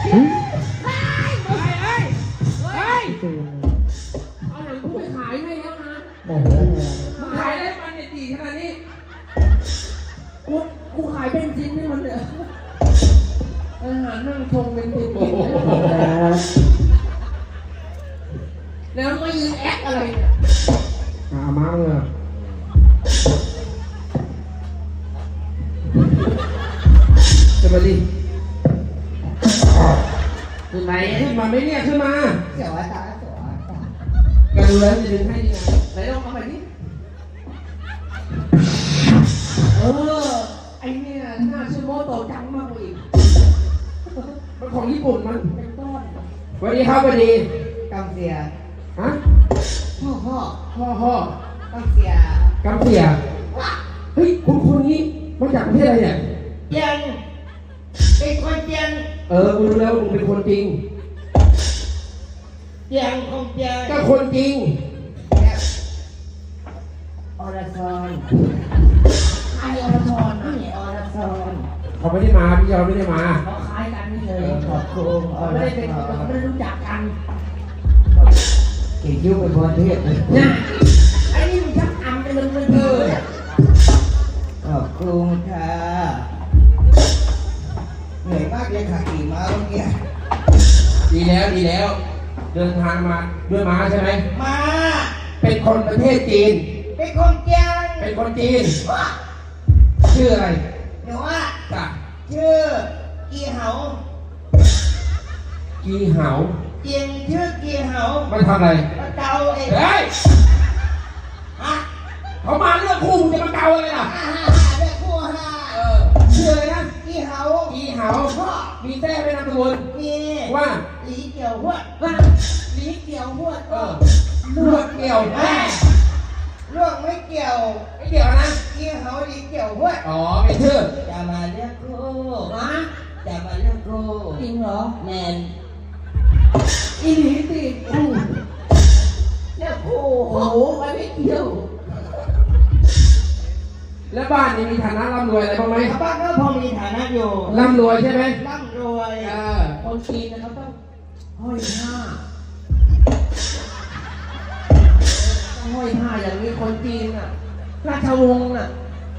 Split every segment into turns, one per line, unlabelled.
เอาหนังกูไปขายให้แล้วนะ
โอ้โห
มึงขายได้มันเนี่ยดีขนาดนี้กูขายเป็นชิ้นให้มันเลยอาหารนั่งชงเป็นชิ้นแล้วก็ยืนแอคอะไรเนี่ย
มาเลยขึ้นมาดิขึ้นไหนขึ้นมาไม่เนี่ยขึ้นมา
เสียวตาสวย
กันดูแล้วจะดึงให้ดีไง
ไหนลองเอาไปดิไอเนี่ยหน้าชื่อโมโตจังมากกว่าอีก
มันของญี่ปุ่นมัน
เป็นต้น
สวัสดีครับสวัสดี
กำเสีย
ฮะ
พ่อ
พ่อก
ำเสีย
กำเสียเฮ้ยคุณนี้มาจากประเทศอะไรเนี่ย
เจียงเป็นคนเจียง
กูรู้แล้วมึงเป็นคนจริง
เจียงของเจียง
ก็คนจริง
อรชร
ไออรชร
นี่อรชร
เขาไม่ได้มาพี่ยอมไม่ได้มา
เขาคล้ายกันไม่เฉย
ขอบคุณอร
ไม่ได้
ช
เป็น
ร
ไม่ได้รู้จักกัน
เก่งยิ้วเป็นคนเทศเลย
นะไอ้นี่มันชักอำกันเลยมันเออ
ขอบคุณค่ะเหนื่อยมากเลยค่ะขี่ม้าเมื่อกี้
ดีแล้ว เดินทางมาด้วยม้าใช่ไหม
มา
เป็นคนประเทศจีน
เป็นคนเจียง
เป็นคนจีน ชื่ออะไร
เดี๋ยวว่า
จ้ะ
ชื่อกีเหา
กีเหา
เจียงชื่อกีเหา
มันทำอะไร
มาเดาเอง
เฮ้ย
ฮะ
เขามาเรื่องคู่มึงจะมาเกาอะไรล่ะ
เด็กคู่ห้า
ชื่ออะไรนะ
กีเหา
กีเหา
พ่อ
มีแท้ไม่นามสกุล
มี
ว่า
หลีเกี่ยวหวด
ว่าหลีเกี่ยวพวด
ลวดเกี่ยวแม่
เรื่องไม่เกี่ยว
ไม่เกี่ยวนะ
กีเหาหลีเกี่ยวหวด
อ๋อเป็นชื่อ
จะมาเรียกคู่
นะ
จะมาเรียกคู่
จริงเหรอ
แมน
อีหลีสิเนี่ยโอ้โหไปไม่เกี่ยว
แล้วบ้านนี้มีฐานะร่ำรวยอะไรบ้างไหม
บ้านก็พอมีฐานะอยู่
ร่ำรวยใช่ไหม
ร่ำรวย
คนจีนนะครับต้องห้อยผ้าต้องห้อยผ้าอย่างนี้คนจีนอ่ะราชวงศ์อ่ะ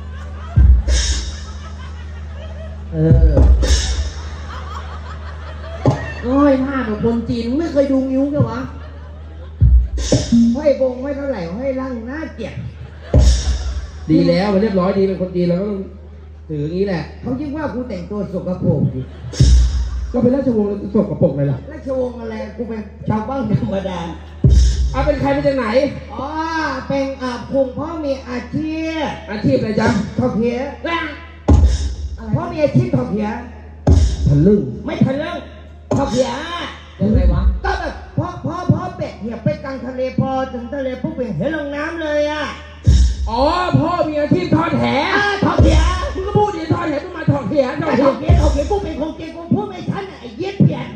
ห้อยผ้าแบบคนจีนไม่เคยดูนิ้วแกวะ
ห้อยบงไม่เท่าไหร่ห้อยร่างหน้าเกลียด
ดีแล้วมันเรียบร้อยดีเป็นคนจีนเราก็ต้องถืออย่างนี้แหละ
เขาคิดว่ากูแต่งตัวสกปรกดิ
ก็เป็นราชวงศ์สกปรกเลยล่ะ
ราชวงศ์อะไรกูเป็นชาวบ้านธรรมดา
เอาเป็นใครมาจากไหน
อ๋อเป็นคุงพ่อมีอาชีพ
อาชีพอะไรจ๊ะ
ถอดเพียพ่อมีอาชีพถอดเพีย
ทะลึ่ง
ไม่ทันเรื่องถอดเพีย
ยังไงวะ
ก็แบบพ่อเป็ดเหี่ยไปกลางทะเลพอถึงทะเลปุ๊บเห็นลงน้ำเลยอ่ะ
อ๋อพ่อมีอาชีพทอดแห
ถอดเพีย
มึงก็พูดดิทอดแหมึงมาทอดแหทอด
ถ
แห
อดเพียกูเป็นคนเก่งกูพูดไม่ทันไอ้เย็ดเพียน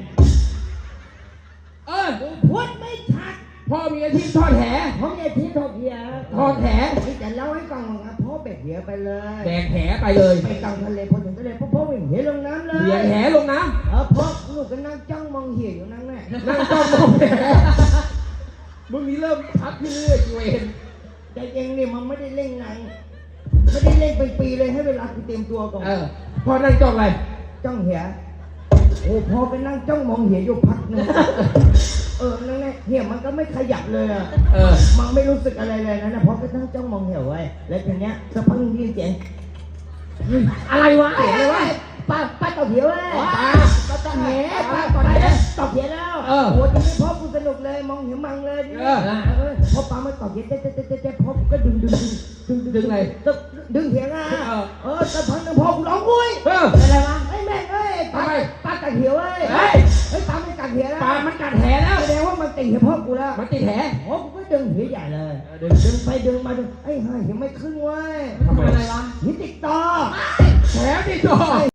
กูพูดไม่ชัด
พ่อมีอาชีพทอดแห
พ่อมีอาชีพถอดเพีย
ทอดแห
นี่จะเล่าให้ฟังนะพ่อเป็ดเหี่ยไปเลย
แบกแหไปเลย
ไปกลางทะเลพอถึงทะเลพ่อเห็นลงน้ำเลย
เหยียดแหลงน้
พ่อลูกก็นั่งจ้องมองเหี่ยอยู่นั่นแหละ
ำนั่งจ้องมองแหมึงนี่เริ่มชัดขึ้นเรื่อยๆเวน
แต่เองเนี่ยมันไม่ได้เล่นหนังไม่ได้เล่นเป็นปีเลยให้เวลากูเตรียมตัวก่อน
พ่อนั่งจ้องอะไร
จ้องเหี่ยโอ้พอไปนั่งจ้องมองเหี่ยอยู่พักนึงนั่นแหละเหี่ยมันก็ไม่ขยับเลยอะมันไม่รู้สึกอะไรเลยนะพอไปนั่งจ้องมองเหี่ยไว้แล้วทีเนี้ยสักพักนึงได้ยินเสียง
อะไรวะ
เสียงอะไรวะป้าตอบเหี่ยวเว้ยป้าตอบเหี่ยป้าก่อนได้ตอบเหี่ยแล้วโอ้ทีนี้พ่อกูสนุกเลยมองเหี่ยมังเลยพอป้ามาตอบเหี่ยเจ๊พ่อก็ดึงอะไรดึงเหี่ยอ่ะสักพักนึงพ่อกูร้องอุ้ยอะไรวะไอ้แม่เอ้ยป้ากัดเหี่ยวเว้ยเฮ้ยป้าไม่กัดเหี่ยแล้ว
ปลามันกัดแหแล้ว
แสดงว่ามันติดเหี่ยพ่อกูแล้ว
มันติดแห
โอ้กูก็ดึงเหี่ยใหญ่เลยดึงไปดึงมาดึงไอ้ห่าเหี่ยไม่ขึ้นเว้ย
ทำไม
อะไรวะ
เหี่ยติดต่อ
แหติดต่อ